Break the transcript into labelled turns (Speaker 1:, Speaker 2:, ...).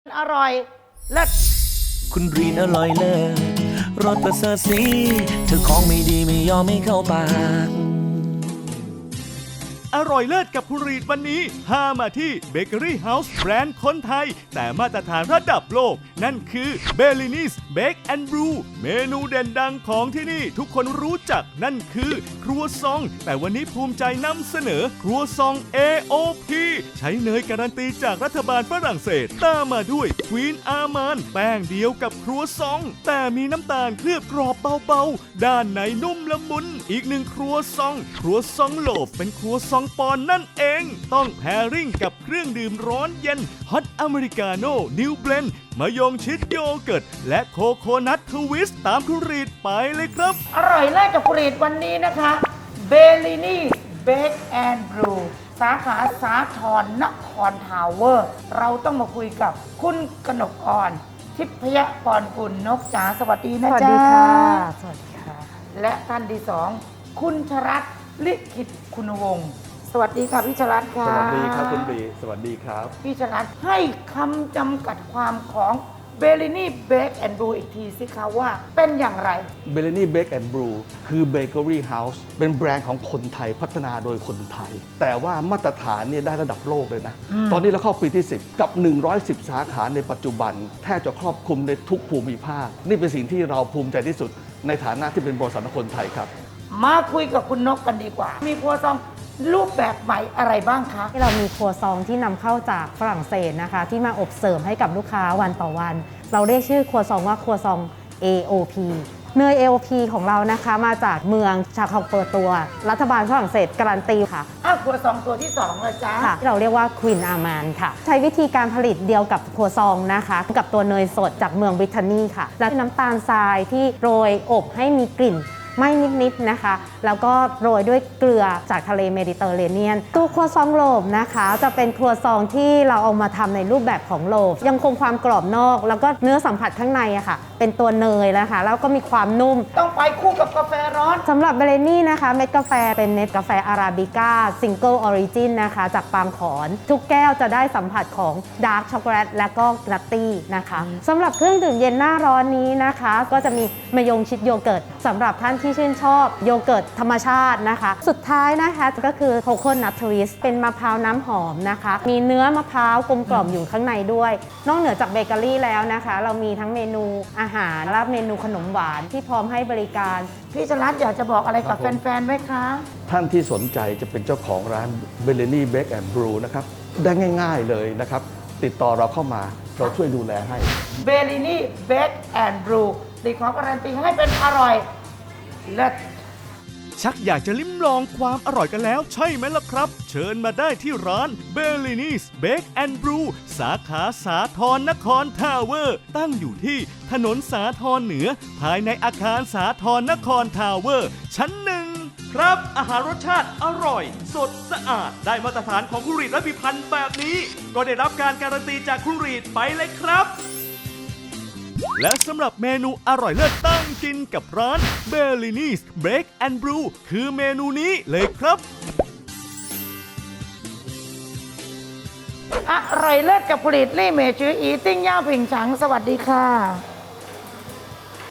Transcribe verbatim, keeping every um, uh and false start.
Speaker 1: อร่อยเลิศ
Speaker 2: คุณรีนอร่อยเลิศรสประเสริฐสีเธอของไม่ดีไม่ยอมไม่เข้าปาก
Speaker 3: อร่อยเลิศกับคุณรีดวันนี้พามาที่เบเกอรี่เฮาส์แบรนด์คนไทยแต่มาตรฐานระดับโลกนั่นคือเบลลินีสเบคแอนด์บรูเมนูเด่นดังของที่นี่ทุกคนรู้จักนั่นคือครัวซองแต่วันนี้ภูมิใจนำเสนอครัวซอง เอ โอ พี ใช้เนยการันตีจากรัฐบาลฝรั่งเศสตามมาด้วยควีนอาร์มานแป้งเดียวกับครัวซองแต่มีน้ำตาลเคลือบกรอบเบาๆด้านในนุ่มละมุนอีกหนึ่งครัวซองครัวซองโลฟเป็นครัวซองปอนนั่นเองต้องแพริ่งกับเครื่องดื่มร้อนเย็นฮอตอเมริกาโน่นิวเบลนด์มะยงชิดโยเกิร์ตและโคโคนัททวิสต์ตามคุณรีดไปเลยครับ
Speaker 1: อร่อยเลิศกับคุณรีดวันนี้นะคะเบลลินีเบคแอนด์บรูสาขาสาทรนครทาวเวอร์เราต้องมาคุยกับคุณกนกอรทิพยพรกุลนกจ๋าสวัสดีนะจ๊ะสวัสดีค่ะสวัสดีค่ะและท่านที่สองคุณชรัตน์ลิขิตคุณวงศ์สวัสดีค่ะพี่ชรัตน์ค่ะ
Speaker 4: สวัสดีครับคุณบีสวัสดีครับ
Speaker 1: พี่ชรัตน์ให้คำจำกัดความของเบลลินีเบคแอนด์บรูอีกทีสิคะว่าเป็นอย่างไร
Speaker 4: เบลนี่เบคแอนด์บรูคือเบเกอรี่เฮาส์เป็นแบรนด์ของคนไทยพัฒนาโดยคนไทย แต่ว่ามาตรฐานเนี่ยได้ระดับโลกเลยนะ ตอนนี้เราเข้าปีที่สิบกับหนึ่งร้อยสิบสาขาในปัจจุบันแทบจะครอบคลุมในทุกภูมิภาคนี่เป็นสิ่งที่เราภูมิใจที่สุดในฐานะที่เป็นบริษัทคนไทยครับ
Speaker 1: มาคุยกับคุณนกกันดีกว่ามีครัวซองรูปแบบใหม่อะไรบ้างคะ
Speaker 5: ที่เรามีครัวซองที่นำเข้าจากฝรั่งเศสนะคะที่มาอบเสิร์ฟให้กับลูกค้าวันต่อวันเราเรียกชื่อครัวซองว่าครัวซอง เอ โอ พี เนย เอ โอ พี ของเรานะคะมาจากเมืองชาคองเปิดตัวรัฐบาลฝรั่งเศสการันตีค่ะ
Speaker 1: อ้าวครัวซองตัวที่สองเลยจ้า
Speaker 5: ค่ะที่เราเรียกว่าควีนอาร์มานค่ะใช้วิธีการผลิตเดียวกับครัวซองนะคะกับตัวเนยสดจากเมืองบริเตนนีค่ะและน้ำตาลทรายที่โรยอบให้มีกลิ่นไม่นิดๆนะคะแล้วก็โรยด้วยเกลือจากทะเลเมดิเตอร์เรเนียนตัวครัวซองโลฟนะคะจะเป็นครัวซองที่เราเอามาทำในรูปแบบของโลฟยังคงความกรอบนอกแล้วก็เนื้อสัมผัสข้างในอะค่ะเป็นตัวเนยนะคะแล้วก็มีความนุ่ม
Speaker 1: ต้องไปคู่กับกาแฟร้อน
Speaker 5: สำหรับเบลนี่นะคะเม็ดกาแฟเป็นเม็ดกาแฟอาราบิก้าซิงเกิลออริจินนะคะจากปางขอนทุกแก้วจะได้สัมผัสของดาร์กช็อกโกแลตและก็นัตตี้นะคะสำหรับเครื่องดื่มเย็นหน้าร้อนนี้นะคะก็จะมีมะยงชิดโยเกิร์ตสำหรับท่านที่ชื่นชอบโยเกิร์ตธรรมชาตินะคะสุดท้ายนะคะก็คือโคโคนัททวิสต์เป็นมะพร้าวน้ำหอมนะคะมีเนื้อมะพร้าวกลมกล่อมอยู่ข้างในด้วยนอกเหนือจากเบเกอรี่แล้วนะคะเรามีทั้งเมนูอาหารและเมนูขนมหวานที่พร้อมให้บริการ
Speaker 1: พี่ชลัดอยากจะบอกอะไรกับแฟนๆไหมคะ
Speaker 4: ท่านที่สนใจจะเป็นเจ้าของร้านเบลนี่เบคแอนด์บรูนะครับได้ง่ายๆเลยนะครับติดต่อเราเข้ามาเราช่วยดูแลให้
Speaker 1: เบลลินีเบคแอนด์บรูติดของการันตีให้เป็นอร่อยเลิศ
Speaker 3: ชักอยากจะลิ้มลองความอร่อยกันแล้วใช่ไหมล่ะครับเชิญมาได้ที่ร้าน Bellini's Bake and Brew สาขาสาทรนครทาวเวอร์ตั้งอยู่ที่ถนนสาทรเหนือภายในอาคารสาทรนครทาวเวอร์ชั้นหนึ่งครับอาหารรสชาติอร่อยสดสะอาดได้มาตรฐานของคุณรีดและพิพันธ์แบบนี้ก็ได้รับการการันตีจากคุณรีดไปเลยครับและสำหรับเมนูอร่อยเลิศตั้งกินกับร้าน Bellini's Bake and Brew คือเมนูนี้เลยครับ
Speaker 1: อร่อยเลิศกับผลิตลี่เมจืออีติ้งย่าผิงฉังสวัสดีค่ะ